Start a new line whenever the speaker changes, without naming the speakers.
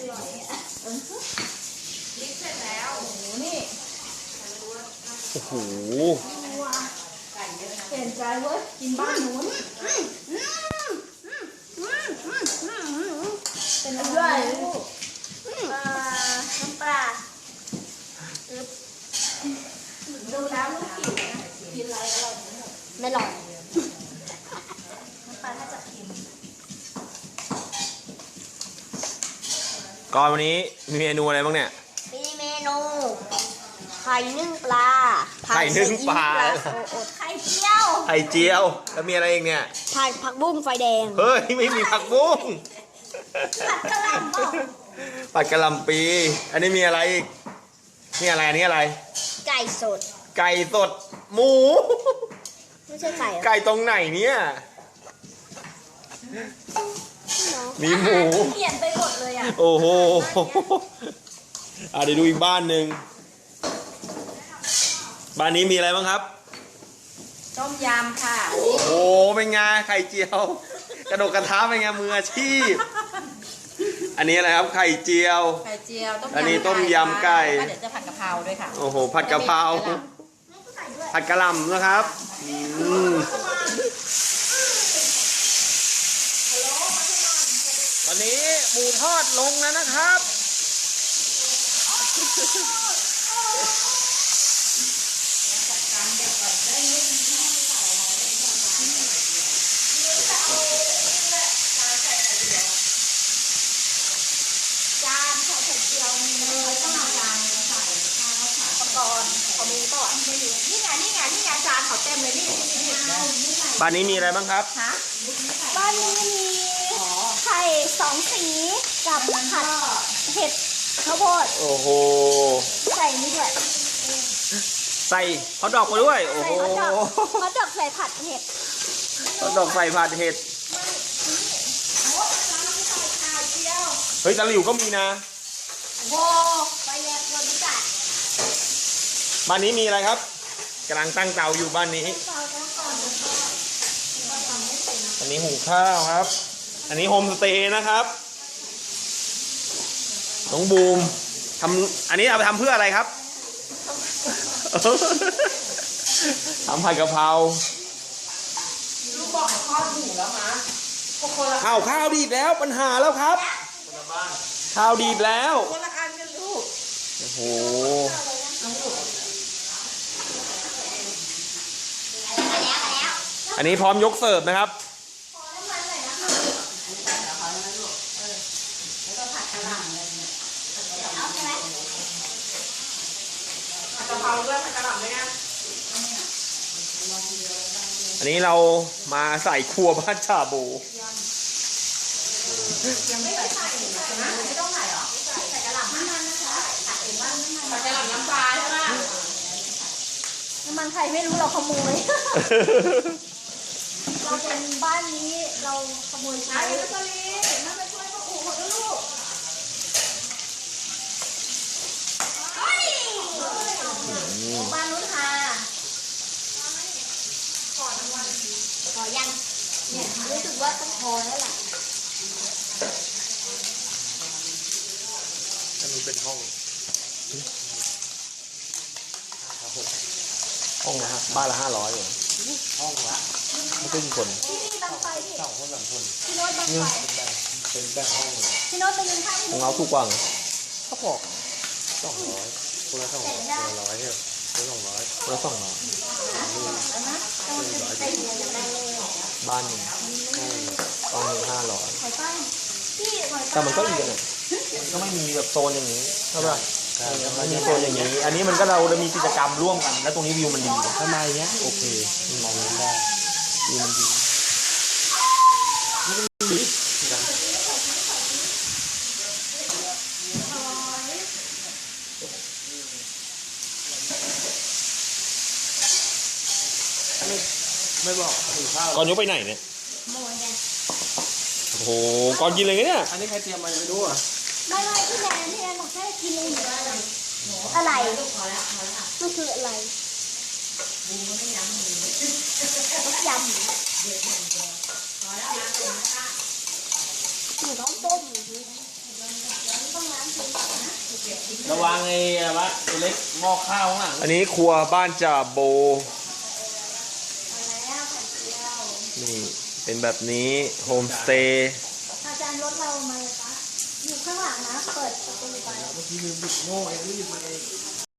ลิฟเสร็จแล้วโอ้โหนี่
โอ้โห
เปลี่ยนใจเว้ยกินบ้านหนูเป็นอะไรลูกน้ำปลาดูแล้วลูกกินอะไรอร่อยไม่หรอกน้ำปลาถ้าจะกิน
ก่อนวันนี้มีเมนูอะไรบ้างเนี่ย
มีเมนูไข่นึ่งปลา
ไข่นึ่งปลา
ไข่เจียว
ไข่เจียวแล้วมีอะไรอีกเนี่ย
ผักบุ้งไฟแดง
เฮ้ยไม่มีผักบุ้ง
ผัดกะหล่ำ
ผัดกะหล่ำปีอันนี้มีอะไรอีกนี่อะไรอันนี้อะไร
ไก่สด
ไก่สดหมู
ไม่ใช่ไก่
ไก่ตรงไหนเนี่ยมีหมู
เปลี่ยนไปหมดเลยอ่ะ
โอ้โหเดี๋ยวดูอีกบ้านหนึ่งบ้านนี้มีอะไรบ้างครับ
ต้มยำค่ะ
โอ้โหเป็นไงไข่เจียวกระโดดกระทะเป็นไงมืออาชีพอันนี้อะไรครับไข่เจียวอันนี้ต้มยำไก่
เดี๋ยวจะผัดกะเพราด้วยค่ะ
โอ้โหผัดกะเพราผัดกะหล่ำนะครับวันนี้หมูทอดลงแล้วนะครับบ้านนี้มีอะไรบ้างครับ
บ้านนี้มีไข่2 สีกับผัดเห็ดข้าวโพด
โอ้โห
ใส่นี่ด้วย
ใส่ฮอทดอกมาด้วยโอ้โห
ฮอทดอกใส่ผัดเห็ด
ฮอทดอกใส่ผัดเห็ดเฮ้ยตะหลิวก็มีนะ
โอ้ไปแยกบริษัท
บ้านนี้มีอะไรครับกำลังตั้งเตาอยู่บ้านนี้อันนี้หุงข้าวครับอันนี้โฮมสเตย์นะครับน้องบูมทำอันนี้เอาไปทำเพื่ออะไรครับทำผัดกะเพรา
ลูกบอกให้ข้อถูกแล้วมั้ย
ข้าวดีดแล้วปัญหาแล้วครับข้าวดีดแล้ว
คนละอันกันลูก
โอ้โหอันนี้พร้อมยกเสิร์ฟนะครับอันนี้เรามาใส่ครัวบ้านชาบู
ยังไม่ใส่นะไม่ต้องใส่หรอใส่กระหล่ำน้ำมันนะคะผัดเองว่าใส่กระหล่ำน้ำปลาใช่ไหม
น้ำมันใครไม่รู้เราขโมยเราเป็นบ้านนี้เราขโมยใช้
แล้วก็ลีน่าจะช่วยพ่อปู่ของลูก
บ้านนู้นค่ะขอยังเนี่ยรู้สึกว่าต้องพอแล้วล่ะ
อันนี้เป็นห้องละบ้านละ500เหรอห้องละไม่เป็นคน
ที่นี่บางไฟพี่
2 คน3 คน
พี่โน้ตบางไฟ
เป็นแบ่งห้องเลย
พี่โน้ตไปยืนข้างพี่
ของเราถูกกว่าเขาบอก200คนละ200คนละ100เนี่ยคนละ200คนละ200บ้านหนึ่งบ้านหนึ่ง500แต่มันก็อีกอ่ะก็ไม่มีแบบโซนอย่างนี้ใช่ป่ะมันมีโซนอย่างนี้อันนี้มันก็เราจะมีกิจกรรมร่วมกันแล้วตรงนี้วิวมันดีข้างในเนี้ยโอเคมองได้วิวมันดีไม่บอกก่อนยกไปไหนเนี่ยโอ้โหก่อนกินอะไรเนี่ยอันนี้ใครเตรียมมาไม่รู้อ่ะ
ไม่พี่แนนบอกให้กินอะไรอะไรมันคืออะไรยำหนูต้องต้ม
ระวังไอ้อะไรวะตัวเล็กหม้อข้าวข้างหลัง
อันนี้ครัวบ้านจ่าโบ
มาแล้วไข่เจียว
นี่เป็นแบบนี้โฮมสเตย์
อาจารย์รถเรามาเลยปะอยู่ข้างหลังนะ เปิดประตูไป
เมื่อกี้ลืมบิดโม่ไอ้รีบมาเอง